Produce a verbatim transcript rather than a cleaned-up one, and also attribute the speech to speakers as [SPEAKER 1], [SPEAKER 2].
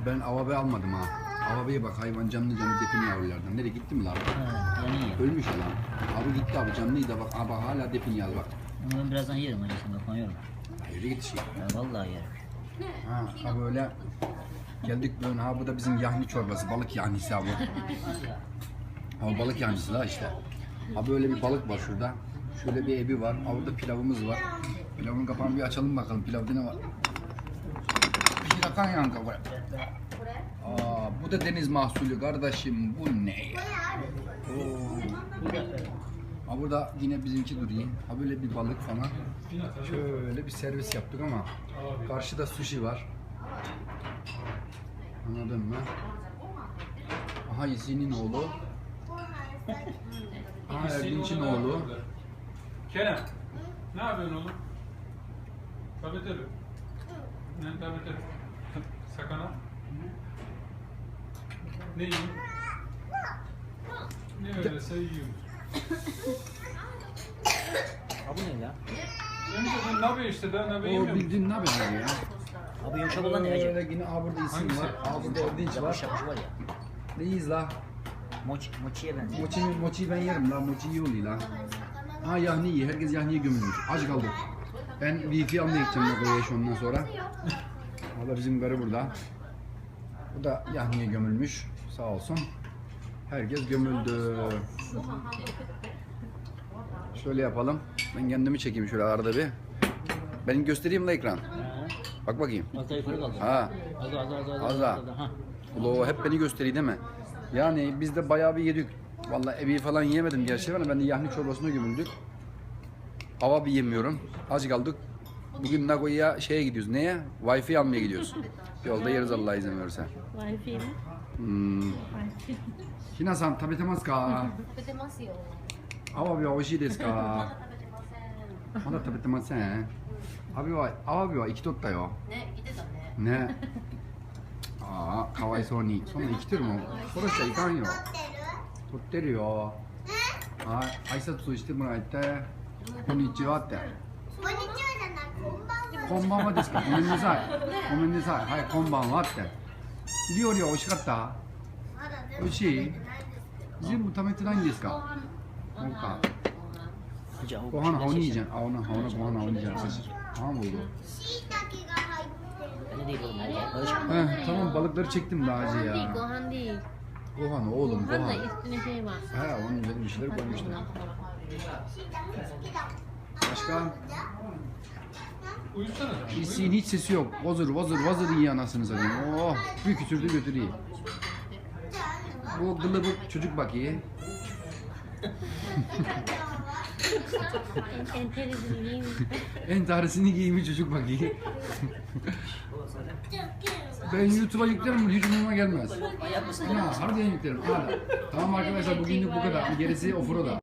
[SPEAKER 1] Ben avabe almadım ha. Avabeye bak, hayvan canlı canlı depini yavrulardan. Nereye gitti mi lan?
[SPEAKER 2] Ha, yani iyi.
[SPEAKER 1] Ölmüş ya lan. Abi gitti abi, canlıydı da bak, abi hala depini yaz bak.
[SPEAKER 2] Onu ben birazdan yerim hocam, bak koyuyorum.
[SPEAKER 1] Öyle git şey.
[SPEAKER 2] Ya vallahi yerim.
[SPEAKER 1] Ha, ha böyle geldik böyle, ha bu da bizim yahni çorbası, balık yahnisi abi. Ha balık yahnisi la işte. Ha böyle bir balık var şurada. Şöyle bir ebi var. Ha burada pilavımız var. Pilavın kapağını bir açalım bakalım, pilavda ne var? Pişirakan yan kafa. Aa, bu da deniz mahsulü kardeşim, bu ne ya? Oo. Ha burada yine bizimki duruyor. Ha böyle bir balık falan. Şöyle bir servis yaptık ama karşıda sushi var. Anladın mı? Aha Yesin'in oğlu. Aha Erdinç'in oğlu.
[SPEAKER 3] Kerem, ne yapıyorsun oğlum? Tabeteli. Ne tabeteli? Sakana. Ne yiyorsun? Ne öyleyse yiyorsun.
[SPEAKER 2] Abi ne ya?
[SPEAKER 3] Önce ben nabe işte daha nabe
[SPEAKER 1] O
[SPEAKER 3] yemiyorum.
[SPEAKER 1] bildiğin ne haber ya?
[SPEAKER 2] Abi yumuşak olan ne acaba?
[SPEAKER 1] Öyle yine aa burada isim
[SPEAKER 3] Hangisi?
[SPEAKER 1] var. Aa burada Erdinç
[SPEAKER 2] Yapış
[SPEAKER 1] var.
[SPEAKER 2] yapış var ya.
[SPEAKER 1] Neyiz la?
[SPEAKER 2] Moç, moçiye benziyor.
[SPEAKER 1] Mochi, mochi ben yerim la. Mochi iyi oluyor la. Ha yahni iyi. Herkes yahniye gömülmüş. Aç kaldık. Ben wifi almaya gideceğim Nagoya'ya şu ondan sonra. Valla bizim karı burada. Bu da yahniye gömülmüş. Sağ olsun. Herkes gömüldü. Şöyle yapalım. Ben kendimi çekeyim şöyle arada bir. Ben göstereyim la ekran. Bak bakayım.
[SPEAKER 2] Az daha yukarı kaldı.
[SPEAKER 1] Ha.
[SPEAKER 2] Az daha az daha az daha.
[SPEAKER 1] Az daha.
[SPEAKER 2] Ha.
[SPEAKER 1] Ulo hep beni gösteriyor değil mi? Yani biz de bayağı bir yedik. Vallahi evi falan yiyemedim gerçi ama ben de yahni çorbasına gömüldük. Hava bir yemiyorum. Az kaldık. Bugün Nagoya'ya şeye gidiyoruz. Neye? Wi-Fi almaya gidiyoruz. Yolda yeriz Allah izin verirse.
[SPEAKER 4] Wi-Fi ね。
[SPEAKER 1] Hmm. ひなさん食べてますか？
[SPEAKER 4] 食べてますよ。
[SPEAKER 1] アワビは美味しいですか？
[SPEAKER 4] 食べてません。
[SPEAKER 1] まだ食べてません。アワビはアワビは生きとったよ。
[SPEAKER 4] ね、来てたね。
[SPEAKER 1] ね。ああ、かわいそうに。そんな生きてるもん殺しちゃいかんよ。撮ってるよ。はい、挨拶してもらえて。こんにちはって。
[SPEAKER 5] こんにちはじゃない、こんばんは。
[SPEAKER 1] こんばんはですか。ごめんなさい。ごめんなさい。はい、こんばんはって。料理は美味しかった？
[SPEAKER 5] まだ全部
[SPEAKER 1] 美味しい？
[SPEAKER 5] 食べてないんです
[SPEAKER 1] 全部食べてないんですか？そうか。
[SPEAKER 2] Hocam, o
[SPEAKER 1] Gohan
[SPEAKER 2] başında
[SPEAKER 1] havni
[SPEAKER 2] şey-
[SPEAKER 1] yiyeceksin. Havna havna gohan havni yiyeceksin. Tamam oldu.
[SPEAKER 5] しいたけが入ってる。
[SPEAKER 2] Öyle değil oğlum. Hadi barış.
[SPEAKER 1] Heh, tamam balıkları çektim daha önce
[SPEAKER 4] ご飯でいい、ご
[SPEAKER 1] ya.
[SPEAKER 4] 飯でいい。
[SPEAKER 1] Gohan oğlum
[SPEAKER 4] ご飯の
[SPEAKER 1] gohan.
[SPEAKER 4] üstüne şey var.
[SPEAKER 1] He onun üzerine bir şeyler koymuşlar.
[SPEAKER 5] しいたけ好きだ。
[SPEAKER 1] Başka?
[SPEAKER 3] Uyusana da.
[SPEAKER 1] İsiğin hiç sesi yok. Vazır vazır vazır iyi anasını satayım. Oh bir kütürdü götürüyor. Bu gılıbık çocuk bak iyi.
[SPEAKER 4] Enteresan iyi.
[SPEAKER 1] En tanesini giymiş çocuk bak iyi. Ben YouTube'a yüklerim hiç umuruma gelmez. Ya harbiden yüklerim. Hadi. Tamam arkadaşlar bugünlük bu kadar. Gerisi offroad'a.